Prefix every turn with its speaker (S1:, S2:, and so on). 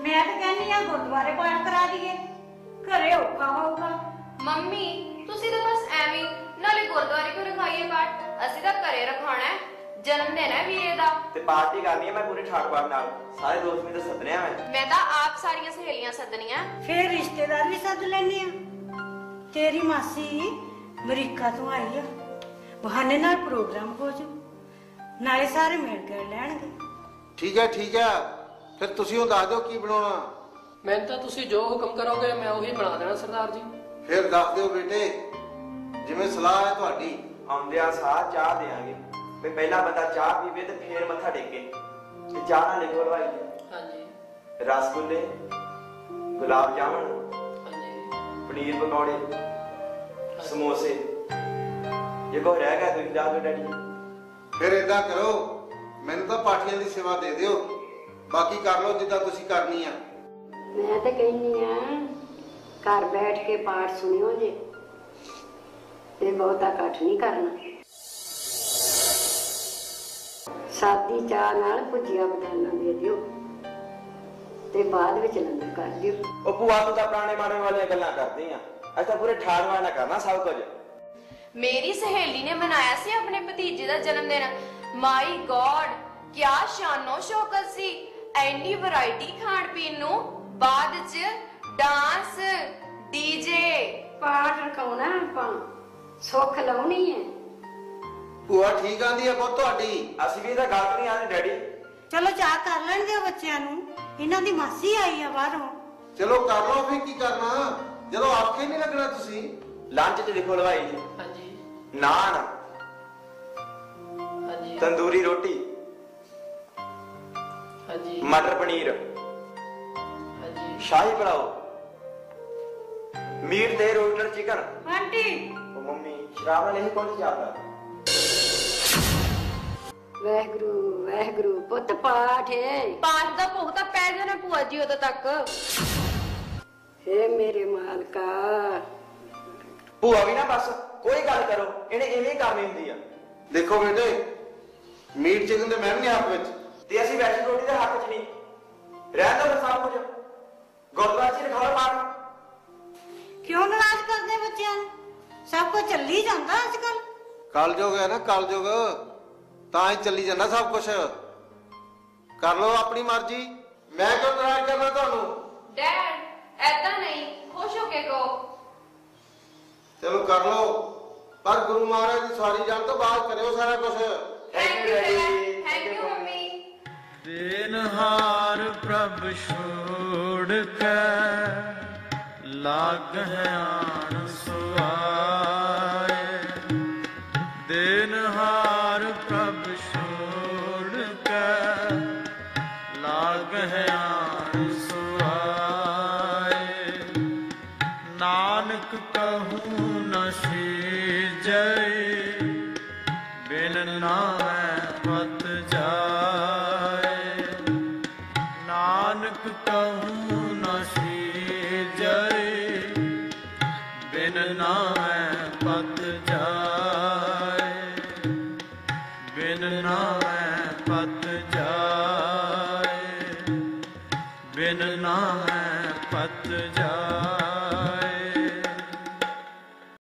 S1: मैं तो कहनी आ गुरुद्वारे पाठ करा दिए, घरे औखा होगा।
S2: ਮੰਮੀ ਤੁਸੀਂ ਤਾਂ ਬਸ ਐਵੇਂ ਨਾਲੇ ਗੁਰਦੁਆਰੇ ਕਿਉਂ ਰਖਾਈਏ ਪਾਠ, ਅਸੀਂ ਤਾਂ ਘਰੇ ਰਖਾਉਣਾ ਹੈ। ਜਨਮ ਦਿਨ ਹੈ ਵੀਰੇ ਦਾ
S3: ਤੇ ਪਾਰਟੀ ਕਰਨੀ ਹੈ ਮੈਂ ਪੂਰੇ ਠਾਕਵਾਰ ਨਾਲ, ਸਾਰੇ ਦੋਸਤ ਮੈਨੂੰ ਸੱਦਣੇ ਆ
S2: ਮੈਂ ਤਾਂ ਆਪ ਸਾਰੀਆਂ ਸਹੇਲੀਆਂ ਸੱਦਣੀਆਂ।
S1: फिर रिश्तेदार भी सद लेने तेरी मासी अमरीका तो आई है, बहाने नाल प्रोग्राम हो जू, नाले सारे मिल कर लैणगे।
S4: ठीक है फिर तुसी हुण दस दिओ की बनाउणा।
S5: मैं तो तुसी जो हुक्म करोगे मैं वही बना देना सरदार जी।
S4: फिर दस दिओ बेटे जिवें सलाह है तुहाडी।
S3: ਆਉਂਦਿਆਂ ਸਾਹ ਚਾਹ ਦੇਾਂਗੇ ਵੀ ਪਹਿਲਾ ਬੰਦਾ ਚਾਹ ਪੀਵੇ ਤੇ ਫੇਰ ਮੱਥਾ ਟੇਕੇ ਤੇ ਚਾਹ ਨਾਲ ਲਿਖੋ ਭਾਈ।
S5: ਹਾਂਜੀ
S3: ਰਸਗੁੱਲੇ, ਗੁਲਾਬ ਜਾਮਨ,
S5: ਹਾਂਜੀ
S3: ਪਨੀਰ ਪਕੌੜੇ, ਸਮੋਸੇ, ਜੇ ਕੋਈ ਰਹਿ ਗਿਆ ਤੁਸੀਂ ਦੱਸ ਦਿਓ ਡੈਡੀ।
S4: फिर इदां करो मैनूं तां पाठियां दी सेवा दे दिओ, बाकी कर लो जिद्दां तुसी करनी आ।
S6: मैं तो कहनी आ घर बैठ के पाठ सुनियो जे ते बहुता कट नहीं करना। सादी चाह नाल भुजिया बदाना दे दियो ते बाद विच लंगर कर दियो।
S3: ਉਹ ਭੂਆ ਤੂੰ ਤਾਂ ਪੁਰਾਣੇ ਮਾੜੇ ਵਾਲੀਆਂ ਗੱਲਾਂ ਕਰਦੀ ਆ, ਅਸੀਂ ਤਾਂ ਪੂਰੇ ਠਾਠ ਨਾਲ ਕਰਨਾ ਸਭ ਕੁਝ।
S2: मेरी सहेली ने मनाया सी अपने भतीजे का जन्मदिन। माई गॉड क्या शानो शौकत सी, एनी वैरायटी खाण पीण नूं, बाद च डांस डीजे।
S6: पाठ रखाउणा आपां, सुख लाउणी है।
S4: ਭੂਆ ਠੀਕ ਆਂਦੀ ਹੈ ਪੁੱਤ ਤੁਹਾਡੀ।
S3: ਅਸੀਂ ਵੀ ਤਾਂ ਗਲਤ ਨਹੀਂ ਆਂਦੇ ਡੈਡੀ।
S1: चलो चाह कर लैण दिओ बच्चिआं नूं, इन्हां दी मासी आई आ बाहरों।
S4: चलो कर लो फिर की करना, जदों आखे नहीं लगना तुसी।
S3: ਲੰਚ 'ਚ ਲਿਖੋ ਲਵਾਈ ਜੀ,
S5: ਹਾਂਜੀ
S3: ਨਾਨ,
S5: ਹਾਂਜੀ
S3: ਤੰਦੂਰੀ ਰੋਟੀ,
S5: ਹਾਂਜੀ
S3: ਮਟਰ ਪਨੀਰ,
S5: ਹਾਂਜੀ
S3: ਸ਼ਾਹੀ ਪਲਾਓ, ਮੀਟ ਤੇ ਰੋਸਟਡ ਚਿਕਨ।
S1: आंटी
S3: ਉਹ ਮੰਮੀ ਸ਼ਰਾਬ ਨਾਲ ਨਹੀਂ ਪਹੁੰਚ ਜਾਂਦਾ।
S6: वाहिगुरु वाहिगुरु पुत पाठ है।
S2: पाठ का भोग तो पै जाना भूआ जी उदों तक।
S6: हे मेरे मालका।
S3: ਭੂਆ ਵੀ ਨਾ ਬਸ ਕੋਈ ਗੱਲ ਕਰੋ, ਇਹਨੇ ਇਵੇਂ ਹੀ ਕਰਨੀ ਹੁੰਦੀ ਆ।
S4: देखो बेटे मीट चिकन ते मैं भी नहीं हक विच,
S3: ਤੇ ਅਸੀਂ ਵੈਸ਼ਨੂੰ ਰੋਟੀ ਦੇ ਹੱਕ 'ਚ ਨਹੀਂ ਰਹਿਣ ਦੋ। ਫਿਰ ਸਭ ਕੁਝ ਗੁਰਦੁਆਰੇ 'ਚ ਰਖਾਓ ਪਾਠ।
S1: क्यों नाराज करदे बच्चिआं नूं? सब कुछ चली जांदा अजकल।
S4: कलयुग है ना कलयुग, तां ही चली जांदा सब कुछ। कर लो अपनी मर्जी, मैं क्यों नाराज करना तुहानू।
S2: डैड ऐदा नहीं, खुश होके कहो।
S4: चलो कर लो, पर गुरु महाराज की सवारी जान तो बाद करियो सारा कुछ।
S2: Thank you dad, thank you mummy.
S7: देनहार प्रभ छोड़ के लाग है आन सुआए, देनहार प्रभ छोड़ के लाग है आन सुआए, नानक कहूँ न सीजै बिन नामै मत जाए, नानक कहूँ